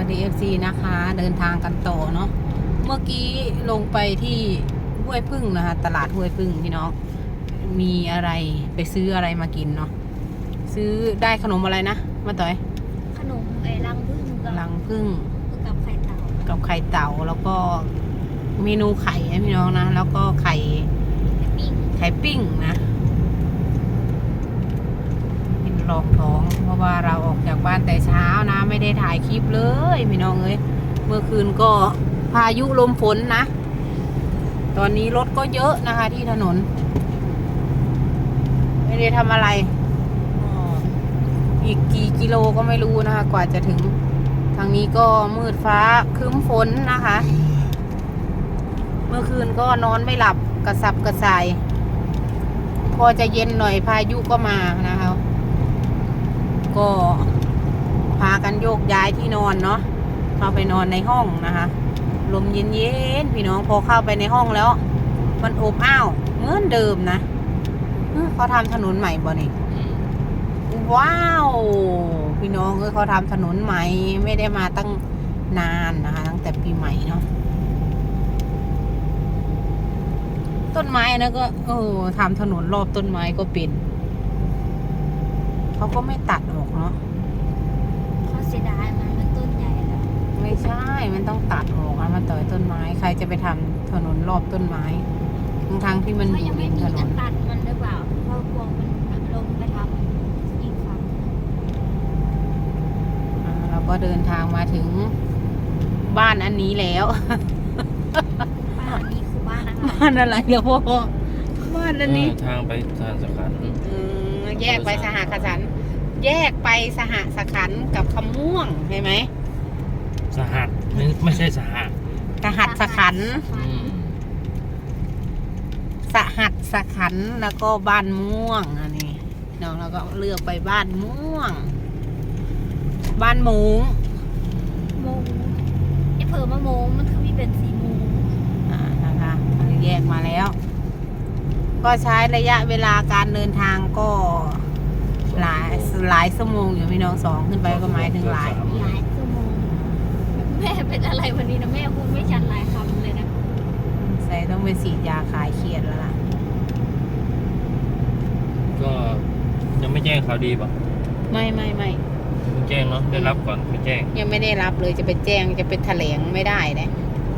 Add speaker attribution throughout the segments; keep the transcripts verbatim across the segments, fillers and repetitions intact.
Speaker 1: สดี เอฟ ซี นะคะเดินทางกันต่อเนาะเมื่อกี้ลงไปที่ห้วยพึ่งนะคะตลาดห้วยพึ่งพี่น้องมีอะไรไปซื้ออะไรมากินเนาะซื้อได้ขนมอะไรนะมาต่อย
Speaker 2: ขนมไอ้รังพึ่งกับ
Speaker 1: รังพึ่ง
Speaker 2: กับไข่เต่า
Speaker 1: กับไข่เต่าแล้วก็เมนูไข่นะพี่น้องนะแล้วก็ไข่
Speaker 2: ปิ้ง
Speaker 1: ไข่ปิ้งนะกินรองท้องเพราะว่าเราออกจากบ้านแต่เช้านะไม่ได้ถ่ายคลิปเลยพี่น้องเอ้ยเมื่อคืนก็พายุลมฝนนะตอนนี้รถก็เยอะนะคะที่ถนนไม่ได้ทำอะไรอีกกี่กิโลก็ไม่รู้นะคะกว่าจะถึงทางนี้ก็มืดฟ้าครึ้มฝนนะคะ เมื่อคืนก็นอนไม่หลับกระสับกระส่ายพอจะเย็นหน่อยพายุก็มานะคะก็พากันโยกย้ายที่นอนเนาะเข้าไปนอนในห้องนะคะลมเย็นๆพี่น้องพอเข้าไปในห้องแล้วมันอบอ้าวเหมือนเดิมนะเขาทำถนนใหม่บ่นี่ว้าวพี่น้องเออเขาทำถนนใหม่ไม่ได้มาตั้งนานนะคะตั้งแต่ปีใหม่เนาะต้นไม้นะก็โอ้ทำถนนรอบต้นไม้ก็เป็นเขาก็ไม่ตัดออกเนาะ
Speaker 2: เขาเสียดายมันมันต้นใหญ่แล้ว
Speaker 1: ไม่ใช่มันต้องตัดออกอะมันต่อยต้นไม้ใครจะไปทำถนนรอบต้นไม้ทั้งทางที่มันอ
Speaker 2: เขายั
Speaker 1: ยู่
Speaker 2: งไม่
Speaker 1: ริม
Speaker 2: มี
Speaker 1: ถน
Speaker 2: จะ
Speaker 1: น
Speaker 2: ตัดมันหรือเปล่าเพราะกลัวมันลงไปทำอีกฝั่ง
Speaker 1: อ่าเราก็เดินทางมาถึงบ้านอันนี้แล้ว
Speaker 2: บ้านนี้คือบ้านนะคะ
Speaker 1: บ้านอะไรเดี๋ยวพ่อบ้านอันนี้
Speaker 3: ทางไปสถานสขันธ์
Speaker 1: อืมแยกไปสหขันธ์แยกไปสหสขันธ์กับคำม่วงใช่ไหม
Speaker 3: สหัสไม่ไม่ใช่สหะ
Speaker 1: สหัสสขันธ์
Speaker 3: อืม
Speaker 1: สหัสสขันธ์แล้วก็บ้านม่วงอันนี้น้องเราก็เลือกไปบ้านม่วง บ้านหมูง
Speaker 2: โมงไอ้เผลอมาโมงมันคือมีเป็นสีโมง
Speaker 1: อ่านะคะอันนี้แยกมาแล้ว ก็ใช้ระยะเวลาการเดินทางก็หลายหลายชั่วโมงอยู่พี่น้องสองขึ้นไปก็หมายถึงหลาย
Speaker 2: หลายชั่วโมงแม่เป็นอะไรวันนี้นะแม่พูดไม่ชัดหลายคำเลยนะ
Speaker 1: ใส่ต้องไปฉีดยาคลายเครียดแล้วล่ะ
Speaker 3: ก็ยังไม่แจ้งข่าวดีป่ะ
Speaker 1: ไม่ไม่ไม่
Speaker 3: ไม่แจ้งเนาะได้รับก่อนไม่แจ้ง
Speaker 1: ยังไม่ได้รับเลยจะไปแจ้งจะไปแถลงไม่ได้เลย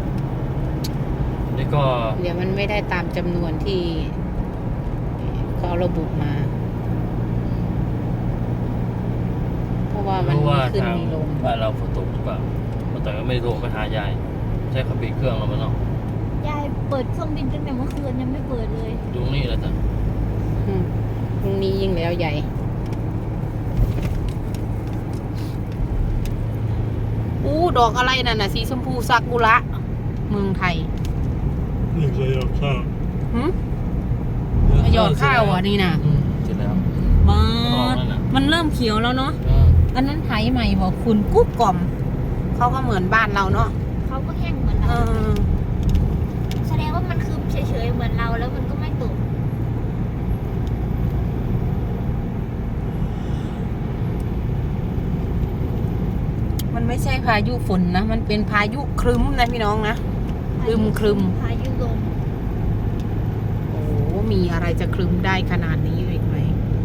Speaker 3: นี่ก็
Speaker 1: เดี๋ยวมันไม่ได้ตามจำนวนที่เขาระบุมา เพราะว่ามัน
Speaker 3: รู้
Speaker 1: มี
Speaker 3: ว่า
Speaker 1: ขึ้น
Speaker 3: ทาง
Speaker 1: มีลง
Speaker 3: บ้านเราฝนตกหรือเปล่าแต่ก็ไม่ได้โทรไปหายายใช้ขับปิดเครื่องแล้วมันเนาะ
Speaker 2: ยายเปิดเครื่องบินตั้งแต่เมื่อคืนยังไม่เปิดเลย
Speaker 3: ตรงนี้แหละจ้ะ
Speaker 1: อืมตรงนี้ยิ่งแล้วใหญ่อู้ดอกอะไรนั่นน่ะสีชมพูซากุระเมืองไทย
Speaker 3: นี่เคยยอดข้าว
Speaker 1: หืมหยอดข้าวอ่ะนี่นะ
Speaker 3: เสร็จแล้ว
Speaker 1: มา
Speaker 3: ออกแล้วน่ะ
Speaker 1: มันเริ่มเขียวแล้วเนาะ
Speaker 3: เออ
Speaker 1: อันนั้นไถใหม่บอกคุณกุ๊กกล่อมเขาก็เหมือนบ้านเราเนาะ
Speaker 2: เขาก็แห้งเหมือน
Speaker 1: เอ
Speaker 2: เรา
Speaker 1: อ
Speaker 2: แสดงว่ามันคือเฉยๆเหมือนเราแล้วมันก็ไม่ตก
Speaker 1: มันไม่ใช่พายุฝนนะมันเป็นพายุครึ้มนะพี่น้องนะ ครึ้มครึ้ม
Speaker 2: พายุลม
Speaker 1: โอ้มีอะไรจะครึ้มได้ขนาดนี้อีกไหม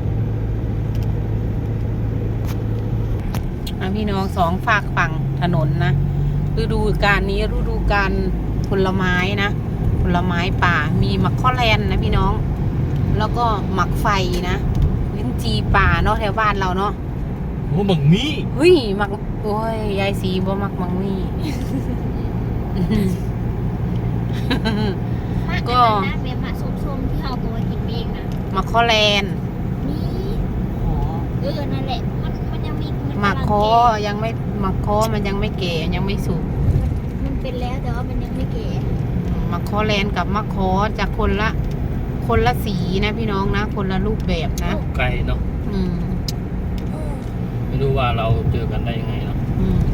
Speaker 1: อ่ะพี่น้องสองฝากฝั่งถนนนะฤดูกาลนี้ฤดูกาลผลไม้นะผลไม้ป่ามีหมักข้อแลนนะพี่น้อง แล้วก็หมักไฟนะลิ้นจีป่าเนาะแถวบ้านเราเนาะ
Speaker 3: โอ้บังมี
Speaker 1: เฮ้ยหมักโอ้ยยายสีบ่มักมังมี่ ก็
Speaker 2: ก็นะเมียมาส้มๆที่เราตัวกินเองนะ
Speaker 1: หมักข้อแลน
Speaker 2: นี่เออนั่นแหละมันมันยังมีน
Speaker 1: หมัก
Speaker 2: ำลัง
Speaker 1: คอ
Speaker 2: แก่
Speaker 1: ยังไม่หมักคอมันยังไม่แก่ยังไม่สุก
Speaker 2: มันเป็นแล้วแต่ว่ามันยังไม่แก่
Speaker 1: หมักคอแลนกับหมักคอจะคนละ คนละสีนะพี่น้องนะ คนละรูปแบบนะ
Speaker 3: ไกลเนาะ
Speaker 1: อืม
Speaker 3: ไม่รู้ว่าเราเจอกันได้ยังไงเนาะ
Speaker 1: อืม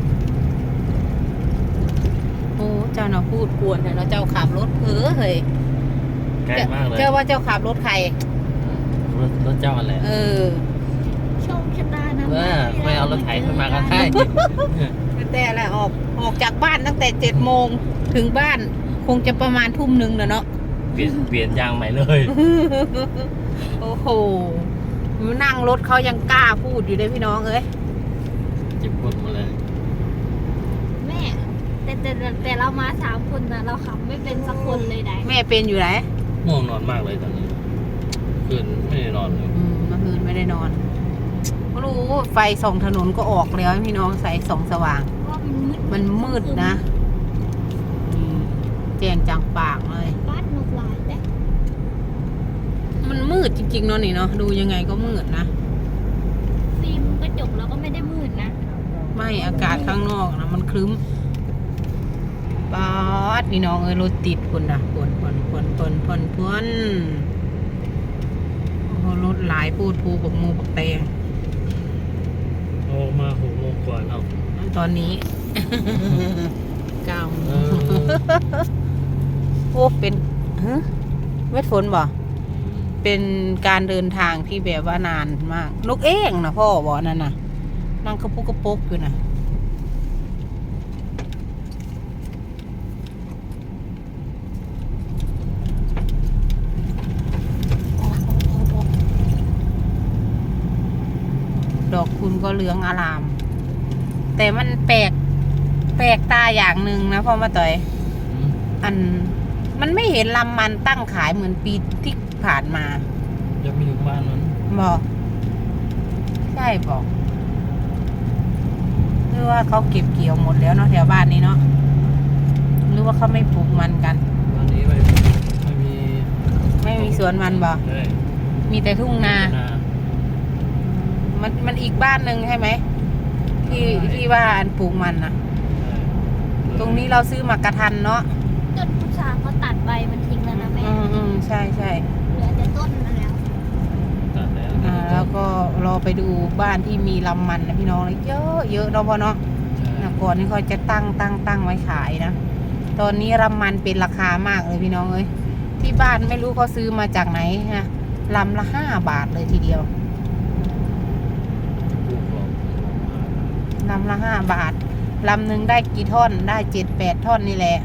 Speaker 1: โอ้เจ้าน่ะพูดกวนแต่เนาะเจ้าขับรถเพ้อเฮ้ย
Speaker 3: ไกลมากเลย
Speaker 1: เจ้าว่าเจ้าขับรถใคร
Speaker 3: รถรถเจ้าอะไร
Speaker 1: เออ
Speaker 2: โชคชะตานะ
Speaker 3: เออไม่เอารถไถขึ้นมาก็ได้
Speaker 1: แแต่อะไรออกออกจากบ้านตั้งแต่เจ็ดโมงถึงบ้านคงจะประมาณทุ่มหนึ่งนะเนาะ
Speaker 3: เปลี่ยนเปลี่ยนยางใหม่เลย
Speaker 1: โอ้โหนั่งรถเขายังกล้าพูดอยู่เลยพี่น้องเอ้ย
Speaker 3: เจ็บปวดมาเลย
Speaker 2: แม่แต่แต่แต่แต่เรามาสามคนนะเราขับไม่เป็นสักคนเลยได้
Speaker 1: แม่เป็นอยู่ไหน
Speaker 3: ง่วงนอนมากเลยตอนนี้คืนไม่ได้นอนเลย
Speaker 1: อืมเมื่อคืนไม่ได้นอนไม่รู้ไฟส่องถนนก็ออกแล้วพี่น้องใส่ส่องสว่าง
Speaker 2: เพราะว่ามันมืด
Speaker 1: มันมืดนะอืมแจ้งจังปากเลย
Speaker 2: บ้านนกลายแต่
Speaker 1: มันมืดจริงๆเนาะนี่เนาะดูยังไงก็มืดนะ
Speaker 2: ฟิล์มกระจกเราก็ไม่ได้มืดนะ
Speaker 1: ไม่อากาศข้างนอกนะมันครึ้มป๊าดพี่น้องเอ้ยรถติดคนนะพนพนพนพนพนพนโอ้โหรถหลายพูดพูกับมูปักแตง
Speaker 3: ออกมาหกโมงกว่าแล้ว
Speaker 1: ตอนนี้ เก้าโม
Speaker 3: เอง อ
Speaker 1: โอ้เป็นฮะเม็ดฝนบ่เป็นการเดินทางที่แบบว่านานมากนกเอ้งนะพ่อบอกนั่นน่ะนั่งกระปุกกระปุกอยู่นะดอกคุณก็เหลืองอาราม แต่มันแปลกแปลกตาอย่างหนึ่งนะพ่อมาต่อย อันมันไม่เห็นลำมันตั้งขายเหมือนปีที่ผ่านมา
Speaker 3: ยังไม่ถึงบ้านมัน
Speaker 1: บอกใช่บอกหรือว่าเขาเก็บเกี่ยวหมดแล้วเนาะแถวบ้านนี้เนาะหรือว่าเขาไม่ปลูกมันกัน
Speaker 3: วันนี้ไม่ไม่มี
Speaker 1: ไม่มีสวนมันบอก
Speaker 3: ใช่
Speaker 1: มีแต่ทุ่งนา
Speaker 3: นา
Speaker 1: มันมันอีกบ้านหนึ่งใช่ไหมที่ที่ว่าอันปลูกมันนะ
Speaker 3: ใช่
Speaker 1: ตรงนี้เราซื้อมากระทันเนาะ
Speaker 2: ต้นพุทราเขาตัดใบมันทิ้งแล้วนะแม่
Speaker 1: อืมอืมใช่ใช่
Speaker 2: เหลือแต่ต้นมันแล้ว
Speaker 3: ตัดแล้ว
Speaker 1: อ่าแล้วก็รอไปดูบ้านที่มีลำมันนะพี่น้องเลยเยอะเยอะเนาะพ่อเนาะ
Speaker 3: ใช่
Speaker 1: นะก่อนนี่เขาจะตั้งตั้งตั้งไว้ขายนะ ตอนนี้ลำมันเป็นราคามากเลยพี่น้องเอ้ย ที่บ้านไม่รู้เขาซื้อมาจากไหนนะลำละห้าบาทเลยทีเดียว
Speaker 3: ปลูกหรอก
Speaker 1: ลำละห้าบาท ลำหนึ่งได้กี่ท่อน ได้เจ็ดแปดท่อนนี่แหละ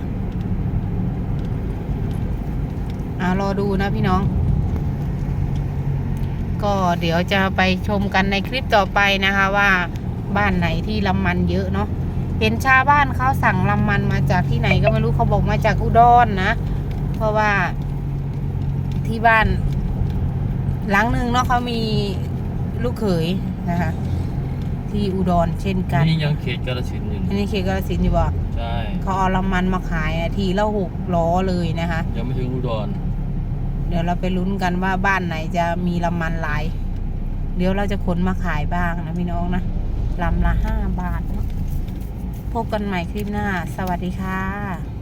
Speaker 1: อ่ารอดูนะพี่น้อง ก็เดี๋ยวจะไปชมกันในคลิปต่อไปนะคะว่าบ้านไหนที่ลำมันเยอะเนาะ เห็นชาวบ้านเขาสั่งลำมันมาจากที่ไหนก็ไม่รู้เขาบอกมาจากอุดรนะ เพราะว่าที่บ้านหลังหนึ่งเนาะเขามีลูกเขยนะคะ ที่อุดรเช่นกัน
Speaker 3: นี่ยังเขตกาฬสินธุ์อยู่
Speaker 1: อันนี้เขตกาฬสินธุ์อยู่บ่
Speaker 3: ใช่
Speaker 1: เขาเอาลำมันมาขายอะทีละหกล้อเลยนะคะ
Speaker 3: ยังไม่ถึงอุดร
Speaker 1: เดี๋ยวเราไปลุ้นกันว่าบ้านไหนจะมีลำมันหลาย เดี๋ยวเราจะขนมาขายบ้างนะพี่น้องนะลำละห้าบาทเนาะพบกันใหม่คลิปหน้า สวัสดีค่ะ